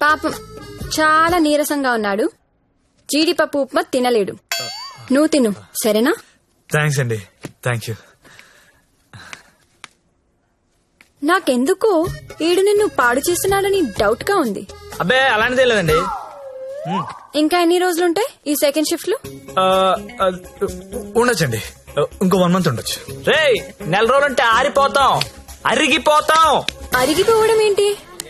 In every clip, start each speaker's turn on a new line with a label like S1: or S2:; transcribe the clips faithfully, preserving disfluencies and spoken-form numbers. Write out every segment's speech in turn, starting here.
S1: పాపం చాలా నీరసంగా ఉన్నాడు. జీడిపప్పు ఉప్మా తినలేడు. నువ్వు తిను సరేనా?
S2: థ్యాంక్స్ అండి. Thank you.
S1: నాకెందుకో ఈడు నిన్ను పాడు చేస్తున్నాడని డౌట్ గా ఉంది.
S2: అబ్బే అలాంటిదే లేదండి.
S1: ఇంకా ఎన్ని రోజులుంటాయి ఈ సెకండ్ షిఫ్ట్ లో?
S2: ఉండొచ్చండి, ఇంకో వన్ మంత్ ఉండొచ్చు.
S3: రే నెల రోజులంటే ఆరిపోతాం, అరిగిపోతాం.
S1: అరిగిపోవడం ఏంటి?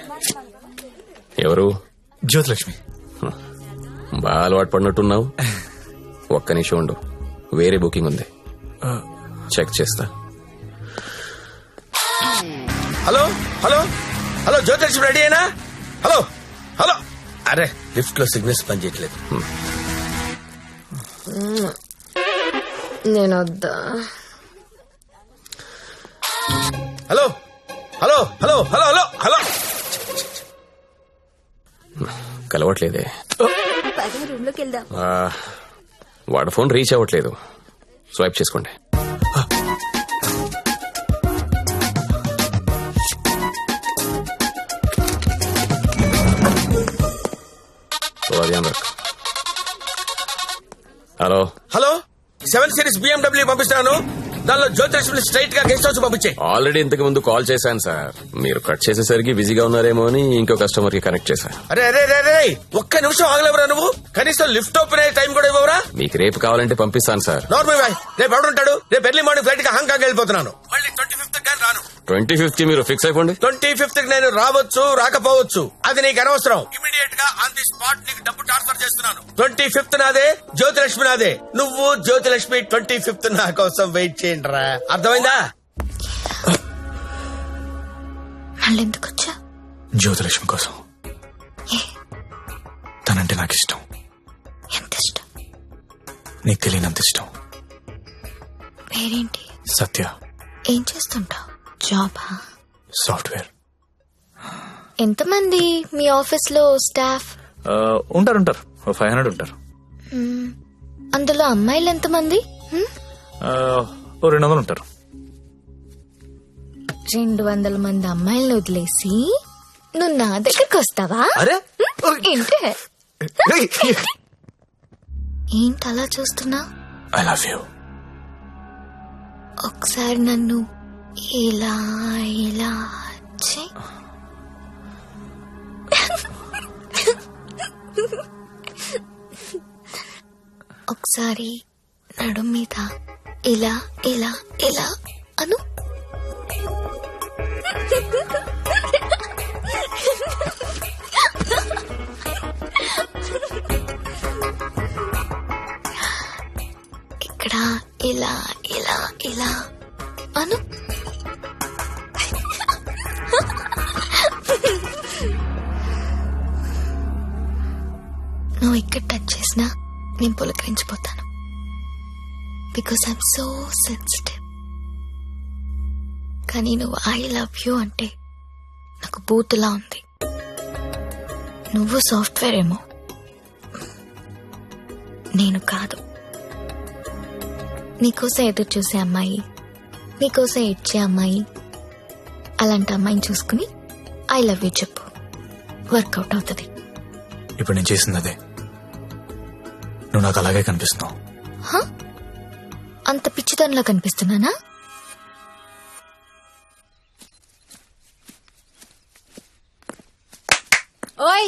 S4: ఎవరు?
S2: జ్యోతిలక్ష్మి.
S4: బాగా అలవాటు పడినట్టున్నావు. ఒక్క నిమిషం ఉండు, వేరే బుకింగ్ ఉంది, చెక్ చేస్తా.
S5: Hello hello hello Jyothilakshmi ready అయినా? Hello hello. అరే లిఫ్ట్ లో సిగ్నల్స్ పనిచేయట్లేదు.
S1: నేను వద్దా?
S5: Hello hello hello hello hello hello.
S4: కలవట్లేదే.
S1: రూమ్ లోకి వెళ్దాం.
S4: ఆ, వాడి ఫోన్ రీచ్ అవ్వట్లేదు. స్వైప్ చేసుకోండి. Hello
S5: hello seven series BMW పంపిస్తున్నాను. దానిలో జ్యోతిలక్ష్మి స్ట్రైట్ గా గెస్ట్ హౌస్ పంపించే.
S4: ఆల్రెడీ ఇంతకు ముందు కాల్ చేశాను సార్. మీరు కట్ చేసేసరికి బిజీగా ఉన్నారేమో అని ఇంకో కస్టమర్ కి కనెక్ట్ చేశాను.
S5: అరే అరే అరే ఒక్క నిమిషం ఆగలేవరా నువ్వు? కనీసం లిఫ్ట్ ఓపెన్ అయ్యే టైం కూడా ఇవ్వరా?
S4: మీకు రేపు కావాలంటే పంపిస్తాను సార్.
S5: నార్మల్ బాయ్, రేపు ఎవడుంటాడు? రేపు ఎర్లీ మార్నింగ్ ఫ్లైట్ గా హాంకాంగ్ వెళ్ళిపోతున్నాను. మళ్ళీ ట్వంటీ ఫిఫ్త్ కానీ రాను.
S4: ట్వంటీ ఫిఫ్త్ కి మీరు ఫిక్స్ అయిపోండి.
S5: ట్వంటీ ఫిఫ్త్ కి నేను రావచ్చు రాకపోవచ్చు, అది నీకు అనవసరం. ఇమీడియట్ గా ఆన్ ది స్పాట్ నీకు డబ్బు ట్రాన్స్ఫర్ చేస్తున్నాను. ట్వంటీ ఫిఫ్త్ నాదే, జ్యోతిలక్ష్మి నాదే. నువ్వు జ్యోతిలక్ష్మి ట్వంటీ ఫిఫ్త్ నా కోసం వెయిట్ చేయండి రా. అర్థమైందా?
S1: మళ్ళీ ఎందుకు వచ్చా?
S2: జ్యోతిలక్ష్మి కోసం. తనంటే నాకు ఇష్టం.
S1: ఎంత ఇష్టం?
S2: నీకు తెలియనంత ఇష్టం.
S1: పేరేంటి?
S2: సత్య.
S1: ఏం చేస్తుంటావు? జాబా?
S2: సాఫ్ట్వేర్.
S1: ఎంతమంది మీ ఆఫీస్ లో స్టాఫ్?
S2: ఉంటారు ఉంటారు ఫైవ్ హండ్రెడ్ ఉంటారు.
S1: అందులో అమ్మాయిలు ఎంతమంది?
S2: ఓ రెండు వందలు ఉంటారు.
S1: రెండు వందల మంది అమ్మాయిలను వదిలేసి నువ్వు నా దగ్గరకు వస్తావా?
S2: అరే
S1: ఏంటి ఏంటి అలా చూస్తున్నా?
S2: I love you.
S1: ఒకసారి నన్ను ఇలా ఇలా చెయ్. ఒకసారి నడు మీద ఇలా ఇలా ఇలా అను. ఇక్కడ ఇలా ఇలా ఇలా అను. నువ్వు ఇక్కడ టచ్ చేసినా నేను పులకరించిపోతాను. Because I'm so sensitive. కానీ నువ్వు ఐ లవ్ యూ అంటే నాకు బూతులా ఉంది. నువ్వు సాఫ్ట్వేర్ ఏమో, నేను కాదు. నీకోసం ఎదురు చూసే అమ్మాయి, నీకోసం ఇచ్చే అమ్మాయి, అలాంటి అమ్మాయిని చూసుకుని ఐ లవ్ యూ చెప్పు, వర్కౌట్ అవుతుంది.
S2: ఇప్పుడు నేను చేసింది అదే. నువ్వు నాకు అలాగే కనిపిస్తున్నావు.
S1: అంత పిచ్చితనంలో కనిపిస్తున్నానా? ఓయ్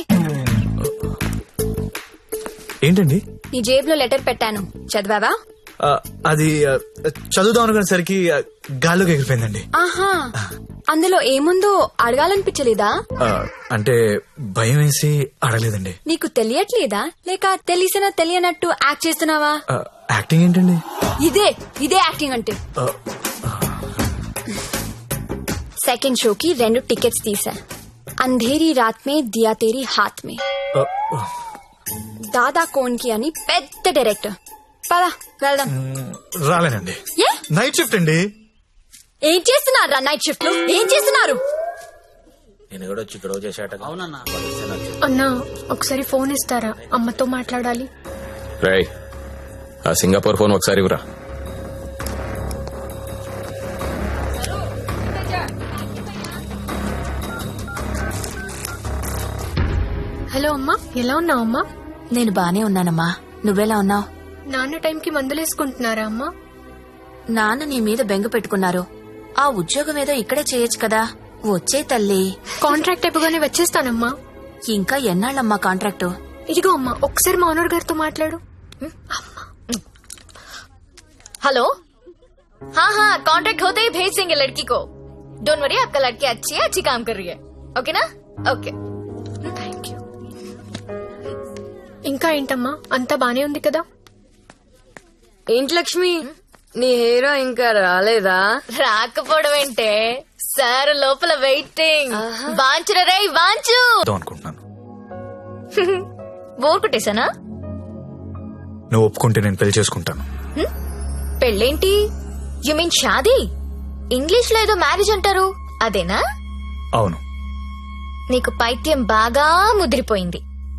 S2: ఏంటండి?
S1: నీ జేబులో లెటర్ పెట్టాను, చదివావా?
S2: అది చదువుదాం అనుకునేసరికి గాల్లోకి ఎగిరిపోయిందండి.
S1: ఆహా, అందులో ఏముందో అడగాలనిపించలేదా?
S2: అంటే భయం వేసి అడగలేదండి.
S1: నీకు తెలియట్లేదా లేక తెలిసినా తెలియనట్టు యాక్ట్ చేస్తున్నావా?
S2: యాక్టింగ్ ఏంటండి?
S1: ఇదే ఇదే యాక్టింగ్ అంటే. సెకండ్ షోకి రెండు టికెట్స్ తీసా. అంధేరీ రాత్ మే దియా తేరీ హాత్ మే. దాదా కోన్ కి అని పెద్ద డైరెక్టర్. పదా వెళ్దాం.
S2: రాలేనండి, నైట్ షిఫ్ట్ అండి.
S1: ఏం చేస్తున్నారు నైట్ షిఫ్ట్ లో? ఏం చేస్తున్నారు?
S5: నేను కూడా వచ్చి ఇక్కడ చేశాట.
S6: అన్నా ఒకసారి ఫోన్ ఇస్తారా? అమ్మతో మాట్లాడాలి.
S4: రేయ్, ఆ సింగపూర్ ఫోన్ ఒకసారి ఇవ్వరా.
S6: హలో అమ్మా, ఎలా ఉన్నావు అమ్మా?
S7: నేను బానే ఉన్నానమ్మా, నువ్వెలా ఉన్నావు?
S6: నాన్న టైంకి మందులేసుకుంటున్నారా అమ్మా?
S7: నాన్న నీ మీద బెంగ పెట్టుకున్నారు. ఆ ఉద్యోగం ఏదో ఇక్కడే చేయొచ్చు కదా. వచ్చే తల్లి.
S6: కాంట్రాక్ట్ అయిపోగానే వచ్చేస్తానమ్మా.
S7: ఇంకా ఎన్నాళ్ళమ్మా కాంట్రాక్టు?
S6: ఇదిగో అమ్మా, ఒకసారి మా ఓనర్ గారితో మాట్లాడు.
S1: हेलो हाँ हाँ कॉन्ट्रैक्ट होते ही भेज देंगे लड़की को. डोंट वरी, आपका लड़की अच्छी है, अच्छी काम कर रही है. ओके ना? ओके.
S6: Thank you. ఇంకా ఏంటమ్మా, అంతా బానే ఉంది కదా?
S8: ఏంటి లక్ష్మి, నీ హీరో ఇంకా రాలేదా?
S1: రాకపోవడం ఏంటే సార్, లోపల వెయిటింగ్. వాంచురా రే వాంచు.
S2: వద్దాం అనుకుంటున్నాను.
S1: బోర్ కొట్టేశానా?
S2: నువ్వు ఒప్పుకుంటే నేను పెళ్లి చేసుకుంటాను.
S1: పెళ్ళేంటి? యు మీన్ షాదీ? ఇంగ్లీష్ లో ఏదో మ్యారేజ్ అంటారు, అదేనా?
S2: అవును.
S1: నీకు పైత్యం బాగా ముదిరిపోయింది.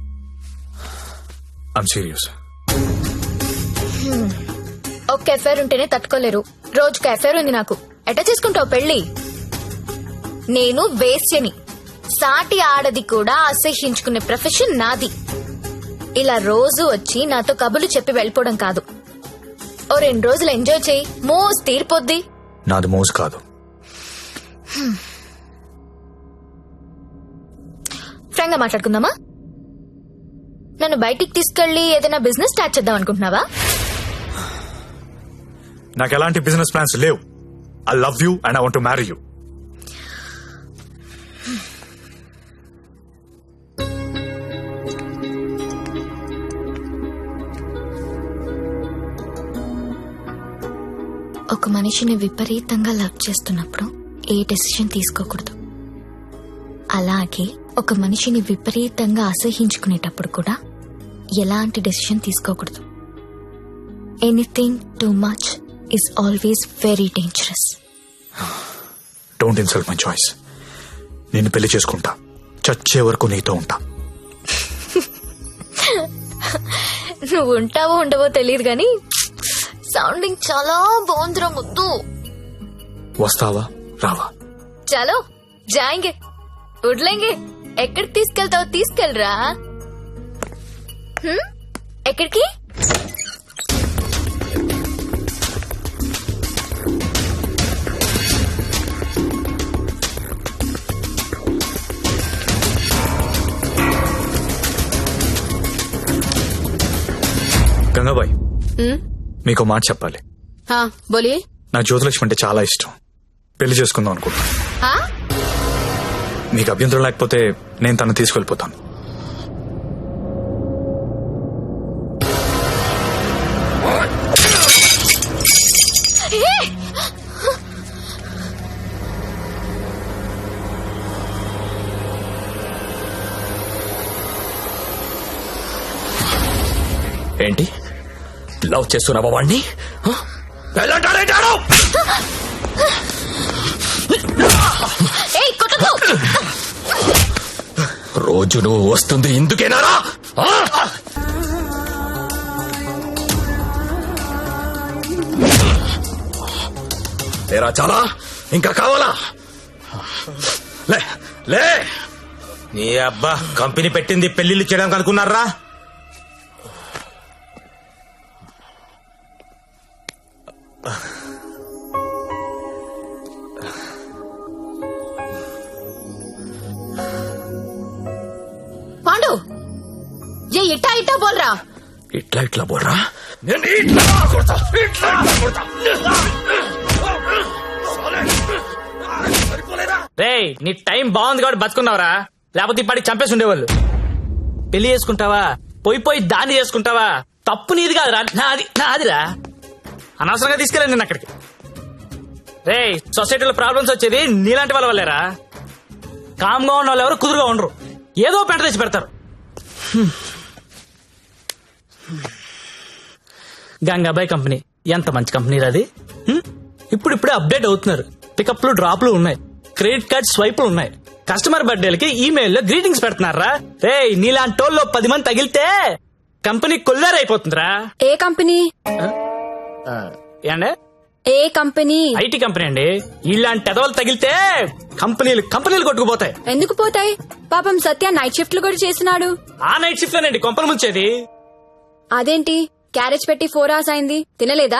S2: I'm serious.
S1: ఒక్క ఎఫైర్ ఉంటేనే తట్టుకోలేరు, రోజుకు ఎఫైర్ ఉంది నాకు. ఎట్లా చేసుకుంటావు పెళ్లి? నేను వేశ్యని, సాటి ఆడది కూడా అసహ్యించుకునే ప్రొఫెషన్ నాది. ఇలా రోజు వచ్చి నాతో కబులు చెప్పి వెళ్ళిపోవడం కాదు. ఓ రెండు రోజులు ఎంజాయ్ చేయి, మోస్ తీరిపోద్ది.
S2: నాది మోజు కాదు.
S1: ఫ్రాంక్ గా మాట్లాడుకుందామా? నన్ను బయటికి తీసుకెళ్లి ఏదైనా బిజినెస్ స్టార్ట్ చేద్దాం అనుకుంటున్నావా?
S2: నాకు ఎలాంటి బిజినెస్ ప్లాన్స్ లేవు. I love you and I want to marry you.
S1: ఒక మనిషిని విపరీతంగా లవ్ చేస్తున్నప్పుడు ఏ డెసిషన్ తీసుకోకూడదు. అలాగే ఒక మనిషిని విపరీతంగా అసహించుకునేటప్పుడు కూడా ఎలాంటి డెసిషన్ తీసుకోకూడదు. Anything too much is always very dangerous.
S2: Don't insult my choice. నేను పెళ్లి చేసుకుంటా, చచ్చే వరకు నీతో ఉంటా.
S1: నువ్వు ఉంటావో ఉండవో తెలియదు గాని సౌండింగ్ చాలా బాగుందిరా ముద్దు.
S2: వస్తావా రావా?
S1: చలో జాయింగే, వడ్లేంగే. ఎక్కడికి తీసుకెళ్తావో తీసుకెళ్ళరా. హ్మ్? ఎక్కడికి?
S2: గంగాబాయ్, మీకు మాట చెప్పాలి.
S8: हाँ बोलिए.
S2: నాకు జ్యోతిలక్ష్మి అంటే చాలా ఇష్టం. పెళ్లి చేసుకుందాం అనుకుంటున్నా.
S8: हाँ
S2: మీకు అభ్యంతరం లేకపోతే నేను తను తీసుకెళ్లిపోతాను.
S4: ఏంటి లవ్ చేస్తున్నావా వాణ్ణి?
S1: ఏయ్, కొట్టకు!
S4: రోజు నువ్వు వస్తుంది ఇందుకేనారా? ఏరా చాలా ఇంకా కావాలా? లే లే.
S3: నీ అబ్బా కంపెనీ పెట్టింది పెళ్లిళ్ళు చేయడానికి అనుకున్నారా?
S1: పాండు, ఏ ఇట్టా ఇట్టా బోల్రా.
S4: ఇట్లా ఇట్లా బోర్రా. నేను ఇట్లా కొడతా, ఇట్లా ఇట్లా కొడతా.
S3: రేయ్, నీ టైం బాగుంది కాబట్టి బతుకున్నావురా, లేకపోతే ఇప్పటికి చంపేసి ఉండేవాళ్ళు. పెళ్లి చేసుకుంటావా, పోయి పోయి దాన్ని చేసుకుంటావా? తప్పు నీది కాదురా, నాది నాదిరా. అనవసరంగా తీసుకెళ్ళాను నేను అక్కడికి. రేయ్, సొసైటీలో ప్రాబ్లమ్స్ వచ్చేది నీలాంటి వాళ్ళ వల్లేరా. కామ్గా ఉన్న వాళ్ళు ఎవరు కుదురుగా ఉండరు, ఏదో పెంట తెచ్చి పెడతారు. గంగాబాయ్ కంపెనీ ఎంత మంచి కంపెనీ అది. హ్మ్? ఇప్పుడు ఇప్పుడే అప్డేట్ అవుతున్నారు. పికప్లు డ్రాప్లు ఉన్నాయి, క్రెడిట్ కార్డ్ స్వైపులు ఉన్నాయి. కస్టమర్ బర్త్డేలకి ఈమెయిల్ లో గ్రీటింగ్స్ పెడుతున్నారా. రే, నీలాంటి టోల్లో పది మంది తగిలితే కంపెనీ కొల్లారైపోతుందిరా.
S8: ఏ కంపెనీ?
S3: ఏండే?
S8: ఏ కంపెనీ?
S3: ఐటీ కంపెనీ అండి. ఇలాంటి ఎదవలు తగిలితే కంపెనీలు కంపెనీలు కొట్టుకుపోతాయి.
S8: ఎందుకు పోతాయి? పాపం సత్య నైట్ షిఫ్ట్లు కూడా చేసినాడు.
S3: ఆ నైట్ షిఫ్ట్ లోనండి కొంపలు ముంచేది.
S8: అదేంటి క్యారేజ్ పెట్టి ఫోర్ అవర్స్ అయింది తినలేదా?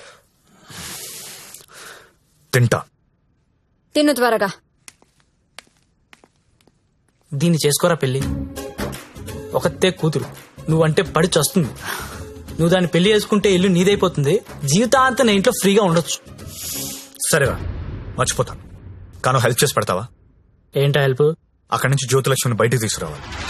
S2: తింటా.
S8: తిను త్వరగా.
S3: దీన్ని చేసుకోరా పెళ్లి. ఒకతే కూతురు, నువ్వంటే పడి చస్తుంది. నువ్వు దాన్ని పెళ్లి చేసుకుంటే ఇల్లు నీదైపోతుంది. జీవితాంతం నా ఇంట్లో ఫ్రీగా ఉండొచ్చు.
S2: సరేరా, మర్చిపోతాను. కాను హెల్ప్ చేసి పెడతావా?
S3: ఏంటా హెల్ప్?
S2: అక్కడి నుంచి జ్యోతిలక్ష్మిని బయటికి తీసుకురావాలి.